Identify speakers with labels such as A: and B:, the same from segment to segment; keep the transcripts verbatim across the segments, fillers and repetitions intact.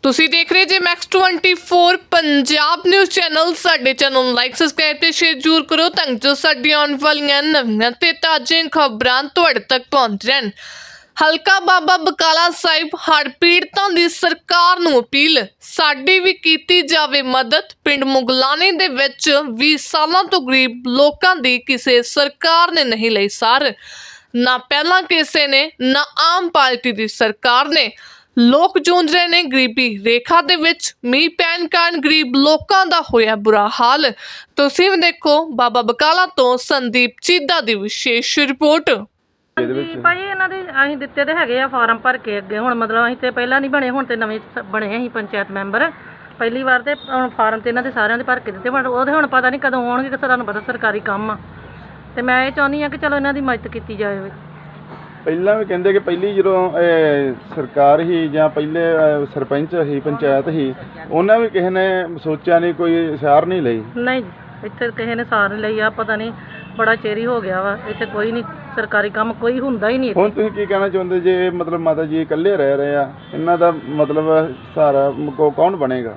A: ਤੁਸੀਂ ਦੇਖ ਰਹੇ ਜੇ Max twenty four Punjab news channel. ਸਾਡੇ ਚੈਨਲ ਨੂੰ ਲਾਈਕ ਸਬਸਕ੍ਰਾਈਬ ਤੇ ਸ਼ੇਅਰ ਜ਼ਰੂਰ ਕਰੋ ਤਾਂ ਜੋ ਸਾਡੀ ਆਉਣ ਵਾਲੀਆਂ ਨਵੀਆਂ ਤੇ ਤਾਜ਼ੀਆਂ ਖਬਰਾਂ ਤੁਹਾਡੇ ਤੱਕ ਪਹੁੰਚ ਰਹਿਣ। ਹਲਕਾ ਬਾਬਾ ਬਕਾਲਾ ਸਾਹਿਬ ਹੜ੍ਹ ਪੀੜਤਾਂ ਦੀ ਸਰਕਾਰ ਨੂੰ ਅਪੀਲ, ਸਾਡੀ ਵੀ ਕੀਤੀ ਜਾਵੇ ਮਦਦ। ਪਿੰਡ ਮੁਗਲਾਣੀ ਦੇ ਵਿੱਚ ਵੀਹ ਸਾਲਾਂ ਤੋਂ ਗਰੀਬ ਲੋਕਾਂ ਦੀ ਕਿਸੇ ਸਰਕਾਰ ਨੇ ਨਹੀਂ ਲਈ ਸਾਰ। ਨਾ ਪਹਿਲਾਂ ਕਿਸੇ ਨੇ ਨਾ ਆਮ ਪਾਰਟੀ ਦੀ ਸਰਕਾਰ ਨੇ। ਲੋਕ ਜੂਝ ਰਹੇ ਨੇ ਗਰੀਬੀ ਰੇਖਾ ਦੇ ਵਿੱਚ। ਮੀਂਹ ਪੈਣ ਕਾਰਨ ਗਰੀਬ ਲੋਕਾਂ ਦਾ ਹੋਇਆ ਬੁਰਾ ਹਾਲ। ਤੁਸੀਂ ਵੀ ਦੇਖੋ ਬਾਬਾ ਬਕਾਲਾ ਤੋਂ ਸੰਦੀਪ ਚੀਦਾ ਦੀ ਵਿਸ਼ੇਸ਼ ਰਿਪੋਰਟ।
B: ਜੀ ਭਾਈ ਇਹਨਾਂ ਦੇ ਅਸੀਂ ਦਿੱਤੇ ਤੇ ਹੈਗੇ ਆ ਫਾਰਮ ਭਰ ਕੇ ਅੱਗੇ। ਹੁਣ ਮਤਲਬ ਅਸੀਂ ਤੇ ਪਹਿਲਾਂ ਨਹੀਂ ਬਣੇ, ਹੁਣ ਤੇ ਨਵੇਂ ਬਣੇ ਅਸੀਂ ਪੰਚਾਇਤ ਮੈਂਬਰ ਪਹਿਲੀ ਵਾਰ। ਤੇ ਹੁਣ ਫਾਰਮ ਤੇ ਇਹਨਾਂ ਦੇ ਸਾਰਿਆਂ ਦੇ ਭਰ ਕੇ ਦਿੱਤੇ, ਪਰ ਉਹਦੇ ਹੁਣ ਪਤਾ ਨਹੀਂ ਕਦੋਂ ਆਉਣਗੇ, ਕਿ ਤੁਹਾਨੂੰ ਪਤਾ ਸਰਕਾਰੀ ਕੰਮ ਆ। ਤੇ ਮੈਂ ਇਹ ਚਾਹੁੰਦੀ ਹਾਂ ਕਿ ਚਲੋ ਇਹਨਾਂ ਦੀ ਮਦਦ ਕੀਤੀ ਜਾਵੇ।
C: ਪਹਿਲਾਂ ਵੀ ਕਹਿੰਦੇ ਕਿ ਪਹਿਲੀ ਜਦੋਂ ਸਰਕਾਰ ਹੀ ਜਾਂ ਪਹਿਲੇ ਸਰਪੰਚ ਹੀ ਪੰਚਾਇਤ ਹੀ, ਉਹਨਾਂ ਵੀ ਕਿਸੇ ਨੇ ਸੋਚਿਆ ਨਹੀਂ, ਕੋਈ ਸਾਰ ਨਹੀਂ ਲਈ।
B: ਨਹੀਂ ਇੱਥੇ ਕਿਸੇ ਨੇ ਸਾਰ ਨਹੀਂ ਲਈ ਆ, ਪਤਾ ਨਹੀਂ ਬੜਾ ਚੇਰੀ ਹੋ ਗਿਆ ਵਾ। ਇੱਥੇ ਕੋਈ ਨਹੀਂ ਸਰਕਾਰੀ ਕੰਮ ਕੋਈ ਹੁੰਦਾ ਹੀ ਨਹੀਂ।
C: ਹੁਣ ਤੁਸੀਂ ਕੀ ਕਹਿਣਾ ਚਾਹੁੰਦੇ ਜੇ ਮਤਲਬ ਮਾਤਾ ਜੀ ਇਕੱਲੇ ਰਹਿ ਰਹੇ ਆ, ਇਹਨਾਂ ਦਾ ਮਤਲਬ ਸਹਾਰਾ ਕੌਣ ਬਣੇਗਾ?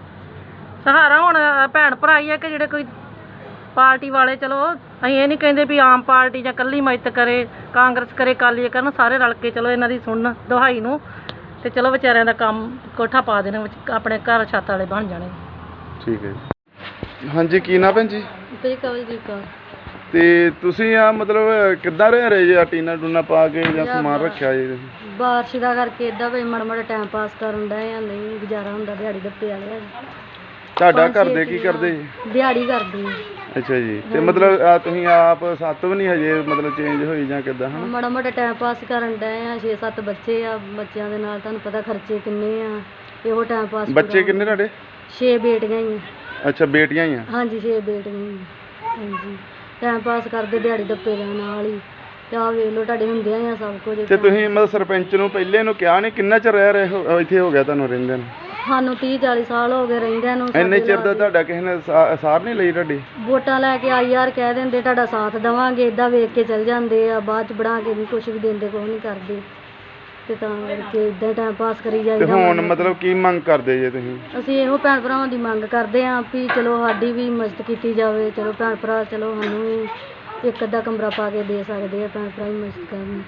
B: ਸਹਾਰਾ ਹੁਣ ਭੈਣ ਭਰਾ ਹੀ ਆ ਕਿ ਜਿਹੜੇ ਕੋਈ ਪਾਰਟੀ ਵਾਲੇ। ਚਲੋ ਅਸੀਂ ਇਹ ਨਹੀਂ ਕਹਿੰਦੇ ਵੀ ਆਮ ਪਾਰਟੀ ਜਾਂ ਇਕੱਲੀ ਮਦਦ ਕਰੇ, ਕਾਂਗਰਸ ਕਰੇ, ਅਕਾਲੀ ਕਰਨ, ਸਾਰੇ ਰਲ ਕੇ ਚਲੋ ਇਹਨਾਂ ਦੀ ਸੁਣਨ ਦੁਹਾਈ ਨੂੰ ਤੇ ਚਲੋ ਵਿਚਾਰਿਆਂ ਦਾ ਕੰਮ ਕੋਠਾ ਪਾ ਦੇਣਾ, ਆਪਣੇ ਘਰ ਛੱਤ ਵਾਲੇ ਬਣ ਜਾਣੇ।
C: ਠੀਕ ਹੈ ਜੀ। ਹਾਂਜੀ ਕੀ ਨਾ ਭੈਣ ਜੀ?
B: ਤੇ ਕਵਲਜੀਤ ਕੌਰ।
C: ਤੇ ਤੁਸੀਂ ਆ ਮਤਲਬ ਕਿੱਦਾਂ ਰਹਿ ਰਹੇ ਜੇ? ਟੀਨਾ ਟੂਨਾ ਪਾ ਕੇ ਜਾਂ ਸਮਾਨ ਰੱਖਿਆ ਜੀ ਤੁਸੀਂ?
B: ਬਾਰਿਸ਼ ਦਾ ਕਰਕੇ ਇਦਾਂ ਵੀ ਮਾੜਾ ਮਾੜਾ ਟਾਈਮ ਪਾਸ ਕਰਨ ਡਏ ਆ, ਨਹੀਂ ਗੁਜ਼ਾਰਾ ਹੁੰਦਾ ਦਿਹਾੜੀ ਦੱਪੇ ਵਾਲੇ।
C: ਤੁਹਾਡਾ ਘਰ ਦੇ ਕੀ ਕਰਦੇ ਜੀ?
B: ਦਿਹਾੜੀ ਕਰਦੇ।
C: ਅੱਛਾ ਜੀ। ਤੇ ਮਤਲਬ ਆ ਤੁਸੀਂ ਆਪ ਸੱਤ ਵੀ ਨਹੀਂ ਹਜੇ ਮਤਲਬ ਚੇਂਜ ਹੋਈ ਜਾਂ ਕਿੱਦਾਂ? ਹਾਂ
B: ਮਾੜਾ ਮਾੜਾ ਟਾਈਮ ਪਾਸ ਕਰਨ ਡਏ ਆ। ਛੇ ਸੱਤ ਬੱਚੇ ਆ, ਬੱਚਿਆਂ ਦੇ ਨਾਲ ਤੁਹਾਨੂੰ ਪਤਾ ਖਰਚੇ ਕਿੰਨੇ ਆ, ਇਹੋ ਟਾਈਮ ਪਾਸ।
C: ਬੱਚੇ ਕਿੰਨੇ ਤੁਹਾਡੇ?
B: ਛੇ ਬੇਟੀਆਂ ਹੀ ਆ।
C: ਅੱਛਾ ਬੇਟੀਆਂ ਹੀ ਆ?
B: ਹਾਂਜੀ ਛੇ ਬੇਟੀਆਂ ਹੀ ਆ। ਹਾਂਜੀ ਟਾਈਮ ਪਾਸ ਕਰਦੇ ਦਿਹਾੜੀ ਦੱਪੇ ਦੇ ਨਾਲ ਹੀ। ਤੇ ਆਹ ਵੇਖ ਲਓ ਤੁਹਾਡੇ ਹੁੰਦਿਆਂ ਹੀ ਆ ਸਭ ਕੁਝ। ਤੇ
C: ਤੁਸੀਂ ਮਤਲਬ ਸਰਪੰਚ ਨੂੰ ਪਹਿਲੇ ਨੂੰ ਕਿਹਾ ਨਹੀਂ? ਕਿੰਨਾ ਚਿਰ ਰਹਿ ਰਹੇ ਹੋ ਇੱਥੇ? ਹੋ ਗਿਆ ਤੁਹਾਨੂੰ ਰਹਿੰਦੇ ਨੂੰ?
B: ਸਾਨੂੰ ਤੀਹ ਚਾਲੀ ਸਾਲ ਹੋ ਗਏ ਰਹਿੰਦਿਆਂ ਨੂੰ।
C: ਇੰਨੇ ਚਿਰ ਦਾ ਤੁਹਾਡਾ ਕਿਸੇ ਨੇ ਸਾਰ ਨਹੀਂ ਲਈ ਤੁਹਾਡੀ?
B: ਵੋਟਾਂ ਲੈ ਕੇ ਆਈ ਯਾਰ ਕਹਿ ਦਿੰਦੇ ਤੁਹਾਡਾ ਸਾਥ ਦੇਵਾਂਗੇ, ਇੱਦਾਂ ਵੇਖ ਕੇ ਚਲ ਜਾਂਦੇ ਆ, ਬਾਅਦ ਚ ਬਣਾ ਕੇ ਨਹੀਂ ਕੁਛ ਵੀ ਦਿੰਦੇ, ਕੁਛ ਨਹੀਂ ਕਰਦੇ। ਤੇ ਤਾਂ ਕਰਕੇ ਇੱਦਾਂ ਟਾਈਮ ਪਾਸ ਕਰੀ
C: ਤੇ
B: ਜਾਈਦਾ।
C: ਹੁਣ ਮਤਲਬ ਕੀ ਮੰਗ ਕਰਦੇ ਜੇ ਤੁਸੀਂ?
B: ਅਸੀਂ ਇਹੋ ਭੈਣ ਭਰਾਵਾਂ ਦੀ ਮੰਗ ਕਰਦੇ ਹਾਂ ਵੀ ਚਲੋ ਸਾਡੀ ਵੀ ਮਦਦ ਕੀਤੀ ਜਾਵੇ। ਚਲੋ ਭੈਣ ਭਰਾ ਚਲੋ ਸਾਨੂੰ ਵੀ ਇੱਕ ਅੱਧਾ ਕਮਰਾ ਪਾ ਕੇ ਦੇ ਸਕਦੇ ਆ, ਭੈਣ ਭਰਾ ਹੀ ਮਦਦ ਕਰਨ।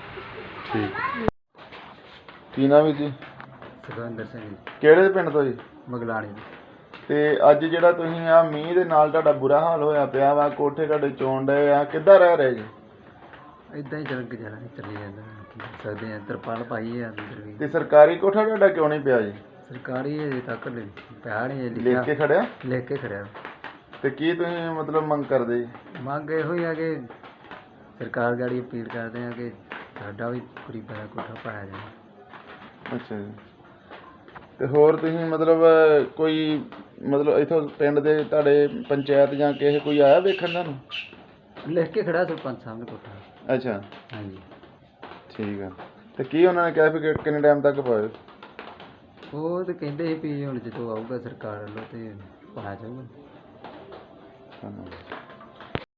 C: ਠੀਕ। ਕੀ ਨਾਮ ਹੈ ਜੀ?
D: ਸੁਖਵਿੰਦਰ ਸਿੰਘ।
C: ਕਿਹੜੇ ਪਿੰਡ ਤੋਂ ਜੀ?
D: ਮਗਲਾਣੀ।
C: ਤੇ ਅੱਜ ਜਿਹੜਾ ਤੁਸੀਂ ਆ ਮੀਂਹ ਦੇ ਨਾਲ ਤੁਹਾਡਾ ਬੁਰਾ ਹਾਲ ਹੋਇਆ ਪਿਆ ਵਾ, ਕੋਠੇ ਤੁਹਾਡੇ ਚੋਣ ਡਏ ਆ, ਕਿੱਦਾਂ ਰਹਿ ਰਹੇ ਜੀ?
D: ਇਦਾਂ ਹੀ ਚੱਲ ਗੁਜ਼ਾਰਾ ਚੱਲੀ ਜਾਂਦਾ, ਕੀ ਕਰ ਸਕਦੇ ਆ। ਤਰਪਾਲ ਪਾਈ ਆ ਅੰਦਰ ਵੀ।
C: ਤੇ ਸਰਕਾਰੀ ਕੋਠਾ ਤੁਹਾਡਾ ਕਿਉਂ ਨਹੀਂ ਪਿਆ ਜੀ?
D: ਸਰਕਾਰੀ ਅਜੇ ਤੱਕ ਪਿਆ ਨਹੀਂ
C: ਲਿਖ ਕੇ ਖੜਿਆ?
D: ਲਿਖ ਕੇ ਖੜਿਆ।
C: ਤੇ ਕੀ ਤੁਸੀਂ ਮਤਲਬ ਮੰਗ ਕਰਦੇ ਜੀ?
D: ਮੰਗ ਇਹੋ ਹੀ ਆ ਕਿ ਸਰਕਾਰ ਗਾੜੀ ਅਪੀਲ ਕਰਦੇ ਆ ਕਿ ਸਾਡਾ ਵੀ ਗਰੀਬਾਂ ਦਾ ਕੋਠਾ ਪਾਇਆ ਜਾਵੇ।
C: ਅੱਛਾ ਜੀ। ਤੇ ਹੋਰ ਤੁਸੀਂ ਮਤਲਬ ਕੋਈ ਮਤਲਬ ਇੱਥੋਂ ਪਿੰਡ ਦੇ ਤੁਹਾਡੇ ਪੰਚਾਇਤ ਜਾਂ ਕਿਸੇ ਕੋਈ ਆਇਆ ਵੇਖਣ ਤੁਹਾਨੂੰ?
D: ਲਿਖ ਕੇ ਖੜਾ ਸਰਪੰਚ ਸਾਹਿਬ ਨੇ ਕੋਠਾ।
C: ਅੱਛਾ
D: ਹਾਂਜੀ
C: ਠੀਕ ਆ। ਤੇ ਕੀ ਉਹਨਾਂ ਨੇ ਕਿਹਾ ਵੀ ਕਿ- ਕਿੰਨੇ ਟਾਈਮ ਤੱਕ ਪਾਇਓ?
D: ਉਹ ਤਾਂ ਕਹਿੰਦੇ ਸੀ ਵੀ ਹੁਣ ਜਦੋਂ ਆਊਗਾ ਸਰਕਾਰ ਵੱਲੋਂ ਤੇ ਪਾਇਆ ਜਾਊਗਾ।
C: ਧੰਨਵਾਦ।